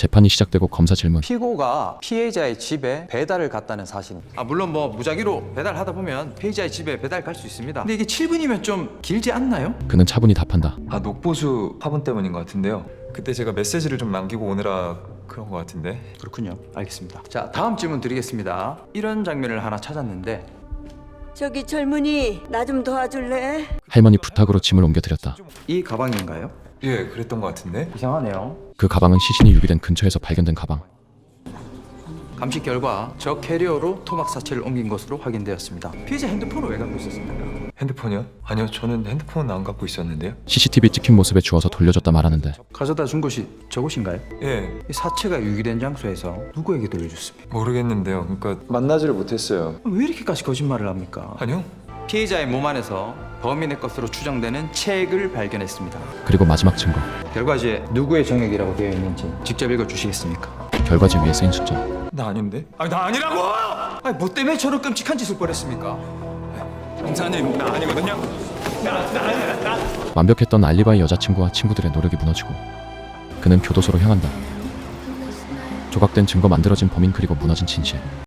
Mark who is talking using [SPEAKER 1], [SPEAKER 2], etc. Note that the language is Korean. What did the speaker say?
[SPEAKER 1] 재판이 시작되고 검사 질문.
[SPEAKER 2] 피고가 피해자의 집에 배달을 갔다는 사실입니다. 물론 무작위로 배달하다 보면 피해자의 집에 배달 갈 수 있습니다. 근데 이게 7분이면 좀 길지 않나요?
[SPEAKER 1] 그는 차분히 답한다.
[SPEAKER 3] 녹보수 화분 때문인 것 같은데요. 그때 제가 메시지를 좀 남기고 오느라 그런 것 같은데.
[SPEAKER 2] 그렇군요. 알겠습니다. 자, 다음 질문 드리겠습니다. 이런 장면을 하나 찾았는데
[SPEAKER 4] 저기 젊은이 나 좀 도와줄래?
[SPEAKER 1] 할머니 부탁으로 짐을 옮겨드렸다.
[SPEAKER 2] 이 가방인가요?
[SPEAKER 3] 예, 그랬던 것 같은데.
[SPEAKER 2] 이상하네요.
[SPEAKER 1] 그 가방은 시신이 유기된 근처에서 발견된 가방.
[SPEAKER 2] 감식 결과 저 캐리어로 토막 사체를 옮긴 것으로 확인되었습니다. 피해자 핸드폰을 왜 갖고 있었습니까?
[SPEAKER 3] 핸드폰이요? 아니요, 저는 핸드폰은 안 갖고 있었는데요.
[SPEAKER 1] CCTV 찍힌 모습에 주워서 돌려줬다 말하는데
[SPEAKER 2] 가져다 준 곳이 저곳인가요?
[SPEAKER 3] 예,
[SPEAKER 2] 이 사체가 유기된 장소에서 누구에게 돌려줬습니까?
[SPEAKER 3] 모르겠는데요. 그러니까 만나지를 못했어요.
[SPEAKER 2] 왜 이렇게까지 거짓말을 합니까?
[SPEAKER 3] 아니요?
[SPEAKER 2] 피해자의 몸 안에서 범인의 것으로 추정되는 책을 발견했습니다.
[SPEAKER 1] 그리고 마지막 증거.
[SPEAKER 2] 결과지에 누구의 정액이라고 되어 있는지 직접 읽어주시겠습니까?
[SPEAKER 1] 결과지 위에 쓰인 숫자.
[SPEAKER 3] 나 아닌데? 나 아니라고!
[SPEAKER 2] 뭐 때문에 저런 끔찍한 짓을 벌였습니까?
[SPEAKER 3] 형사님, 나 아니거든요.
[SPEAKER 1] 완벽했던 알리바이 여자친구와 친구들의 노력이 무너지고 그는 교도소로 향한다. 조각된 증거, 만들어진 범인, 그리고 무너진 진실.